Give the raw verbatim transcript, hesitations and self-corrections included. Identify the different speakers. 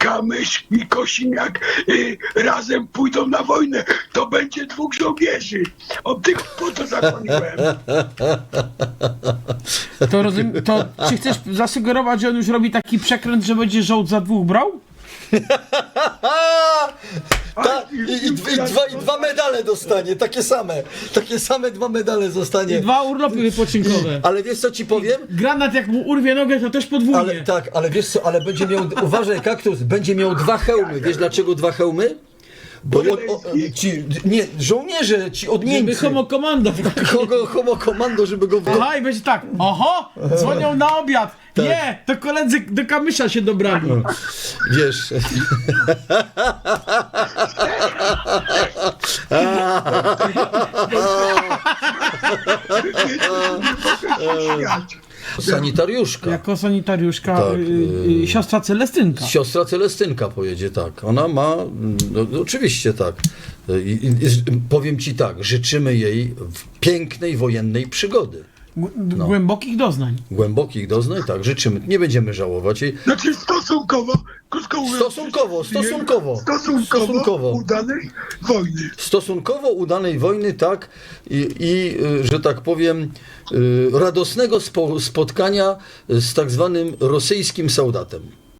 Speaker 1: Kamysz i Kosiniak y, razem pójdą na wojnę. To będzie dwóch żołnierzy. Od tych po to zakłoniłem.
Speaker 2: To, rozum, to czy chcesz zasugerować, że on już robi taki przekręt, że będzie żołd za dwóch brał?
Speaker 3: Ta, i, i, i, dwa, I dwa medale dostanie, takie same. Takie same dwa medale zostanie.
Speaker 2: I dwa urlopy wypoczynkowe.
Speaker 3: Ale wiesz co ci powiem?
Speaker 2: Granat jak mu urwie nogę, to też podwójnie.
Speaker 3: Ale tak, ale wiesz co, ale będzie miał, uważaj Kaktus, będzie miał dwa hełmy. Wiesz dlaczego dwa hełmy? Bo od, o, ci, nie, żołnierze, ci od
Speaker 2: Żeby
Speaker 3: Niemcy.
Speaker 2: homo komando.
Speaker 3: Homo, homo komando, żeby go...
Speaker 2: Aha, i będzie tak, oho, dzwonią na obiad. Nie, to koledzy do Kamysza się dobrali.
Speaker 3: Wiesz... Sanitariuszka.
Speaker 2: Jako sanitariuszka,
Speaker 3: Tak,
Speaker 2: y, y, siostra Celestynka.
Speaker 3: Siostra Celestynka pojedzie, tak. Ona ma, no, no, oczywiście tak. I, i, i, powiem ci tak, życzymy jej w pięknej wojennej przygody.
Speaker 2: G- Głębokich doznań.
Speaker 3: Głębokich doznań, tak, życzymy. Nie będziemy żałować jej.
Speaker 1: Znaczy stosunkowo, krótko mówiąc,
Speaker 3: Stosunkowo, stosunkowo.
Speaker 1: stosunkowo,
Speaker 3: Stosunkowo.
Speaker 1: udanej wojny.
Speaker 3: Stosunkowo udanej wojny, tak, i, i y, że tak powiem, y, radosnego spo, spotkania z tak zwanym rosyjskim soldatem.